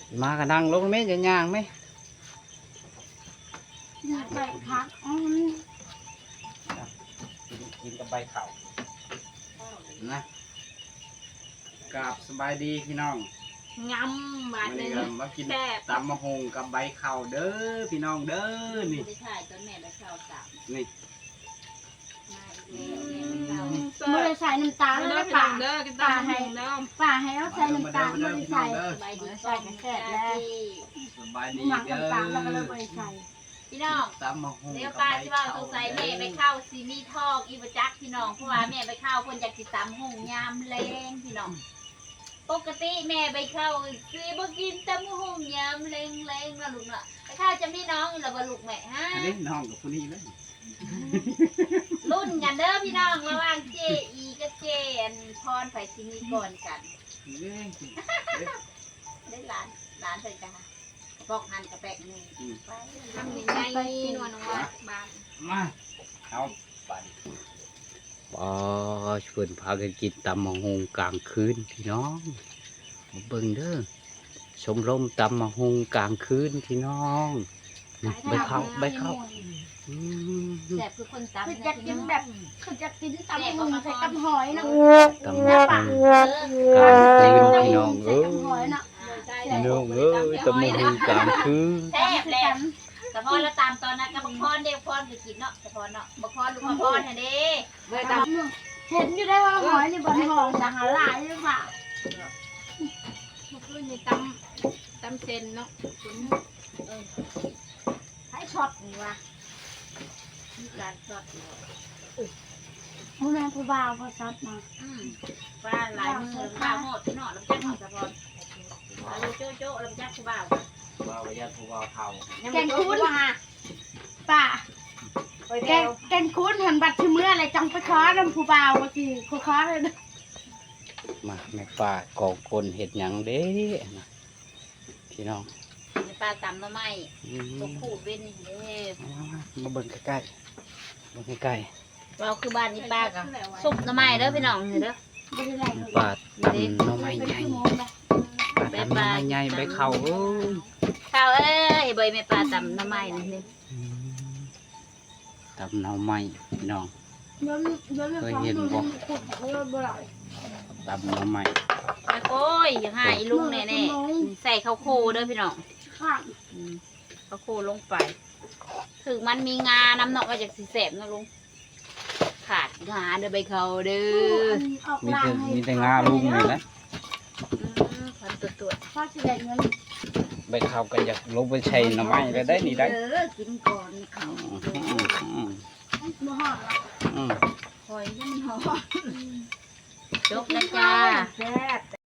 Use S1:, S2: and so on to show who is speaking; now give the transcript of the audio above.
S1: มากันนั่งลงไหมจะย่างไหม
S2: ใบพัก
S1: กินกับใบเข่านะกราบสบายดีพี่น้อง
S2: งำบาดหนึ่ง
S1: มากินตำมะฮงกับใบเข่าเด้อพี่น้องเด้อนี่
S2: ไม่ใช่ต้นแม่ใบข้าวสาม
S1: นี่
S2: ไม่ได้ใส่น้ำตาลแล้วป่าป่าให้เราใส่น้ำตาลไม่ได้ใส่ใส่กันแค่แล้ว
S1: สบายดี
S2: หมัก
S1: เด้อ
S2: น้ำตาลแล้วก็เลยไม่ใส่
S3: พี่น้อง
S1: ตำมะฮง
S3: เดี๋ยวป้าที่ว่าสงสัยแม่ไปเข้าซีมีทอกอีบจักพี่น้องเพราะว่าแม่ไปเข้าคนอยากติดตามหงยามแรงพี่น้องปกติแม่ไปเข้าซีบ่กินตามหงยามแรงนะลูกเนาะไปเข้าจะมีน้องอยู่แล้วบ่ลูกแม่ฮะ
S1: อันนี้น้องกับผู้นี้เลย
S3: รุ่นกันเด้อพี่น้องระหว่างเจอีกับเจนพรไผซีมีก่อนกันได้หลานเพิ่นจ้ะบอกหันกระแปกนึงไปทำยังไงนวลน้องว่าบ้าน
S1: มาเอาไปชวนพากันกินตำมะฮงกลางคืนพี่น้องมาเบิ่งเด้อชมรมตำมะฮงกลางคืนพี่น้องใบเข้า
S3: แซ่บคือคนตำ
S2: คือจะกินแบบคือจะกินตำมุงใส่กับหอยนะ
S1: ตำมะฮงกลางคืนพี่น้องเอ้ย
S2: หอยนะ
S1: พี่น้องเอ้ยตำมะฮงกลางคืน
S3: แซ่บแหละแต่พอเราตามตอนนั้นก็บักพรเด็กพรไปกินเนาะแต่พรเนาะบักพรลูกพรเห็นดิเลยตาม
S2: เห็นอยู่ได้ว่าหอยนี่บนห้องสังหารหลายหรือเปล่า
S3: คือในตำเซนเนาะ
S2: ให้ช็อตนี่วะ
S3: การสด
S2: ผู้แม่ผู้บ่าวพอช็อตมา
S3: ว่าหลายมือข้าวหอดที่เนาะลำจักหอดแต่พรเราโจ๊ะลำจักผู้บ่าว
S1: ว่าวิญญาณผู้บ่าวเฒ่า
S2: แกงคุ้นป่าแกงคุ้นหันบัตรชื่อเมื่ออะไรจังไปคอน้ำผู้บ่าวเมื่อกี้ผู้คอเลยนะ
S1: มาแม่ป้ากองคนเห็ดหยังเด้พี่น้อง
S3: ในปลาตำหน่อไม้ตัวขูดเป็นเด้
S1: มาเบิ่งใกล้ๆเบิ่งใกล้
S3: เราคือบ้านนี้ป้าก็ซุปหน่อไม้เด้อพี่น้องเด้อ
S2: ไม่ได้ไร
S1: ๆปาดตำหน่อไม้ใหญ่ปาดตำหน่อไม้ใหญ่ใบเข่าเอ้ย
S3: ข้าวเอ้ยใบแม่ปลาตำหน่อไม้นี่
S1: ตำหน่อไม้พี่น้องเคยเห็นบ่ตำหน่อไม้
S3: โอ้ยอย่าหายลุงแน่ๆใส่ข้าวโคเด้อพี่น้อง
S2: ข้าง
S3: ข้าวโคลงไปถึงมันมีงาน้ำเนาะมาจากสีแสบนะลุงขาดงาเด้อใบเขาเด้อ
S1: มีแต่งาลุงนี่แหละ
S3: พันตัว
S2: พ่อสิได้เงิน
S1: ใบเข่าก็อยากลงไปใช้หน่อไม้ก็ได้นี่ได้
S2: กินก่อนเขาบ่หอด
S1: อืม
S3: คอยยังหอจบนะจ้า